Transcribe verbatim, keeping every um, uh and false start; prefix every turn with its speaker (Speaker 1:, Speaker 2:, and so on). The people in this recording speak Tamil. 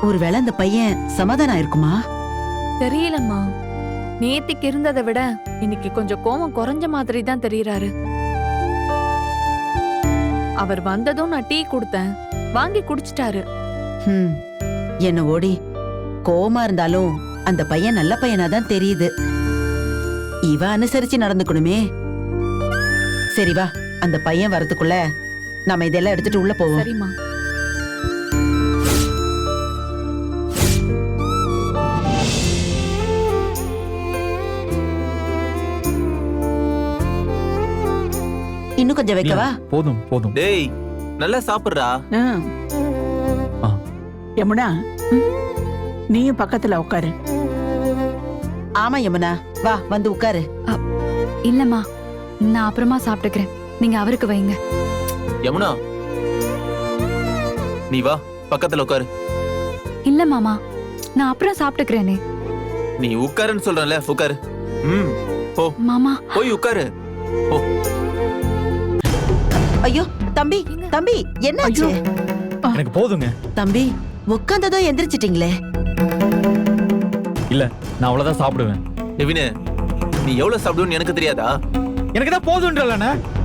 Speaker 1: ஒருவேளை அந்த பையன் சமாதானம் இருக்குமா?
Speaker 2: தெரியலம்மா. நேத்திக்கு இருந்ததை விட இன்னைக்கு கொஞ்சம் கோவம் குறைஞ்ச மாதிரி தான் தெரியறாரு. அவர் வந்ததும் நான் டீ கொடுத்தேன், வாங்கி குடிச்சிட்டாரு.
Speaker 1: ஹம், என்ன ஓடி கோவமா இருந்தாலும் அந்த பையன் நல்ல பையனா தான் தெரியுது. இவ அனுசரிச்சு நடந்துக்கணுமே. சரி வா, அந்த பையன் வரதுக்குள்ள நாம இதெல்லாம் எடுத்துட்டு உள்ள போவோம்.
Speaker 2: சரிம்மா.
Speaker 1: இன்னும் கொஞ்சம் வைக்கவா?
Speaker 3: போதும் போதும்.
Speaker 4: டேய் நல்லா சாப்பிடுறா.
Speaker 3: ஆ.
Speaker 5: யமுனா, நீயும் பக்கத்துல உட்காரு.
Speaker 1: ஆமா யமுனா, வா வந்து உட்காரு.
Speaker 6: இல்லம்மா, நான் அப்புறமா சாப்பிட்டுக்கிறேன். நீங்க அவருக்கு வைங்க.
Speaker 4: யமுனா நீ வா பக்கத்துல உட்காரு.
Speaker 6: இல்ல மாமா, நான் அப்புறம் சாப்பிட்டுக்கிறேனே.
Speaker 4: நீ உட்காருன்னு சொல்றேன்ல, உட்காரு. ம் போ
Speaker 6: மாமா,
Speaker 4: போய் உட்காரு. போ.
Speaker 1: ஐயோ தம்பி, தம்பி என்னாச்சு?
Speaker 3: எனக்கு போதுங்க.
Speaker 1: தம்பி உட்காந்ததோ எந்திரிச்சிட்டீங்களே.
Speaker 3: இல்ல, நான் அவ்வளவுதான் சாப்பிடுவேன்.
Speaker 4: நெவினு, நீ எவ்வளவு சாப்பிடுன்னு எனக்கு தெரியாதா?
Speaker 3: எனக்கு தான் போதுன்றலண்ணே.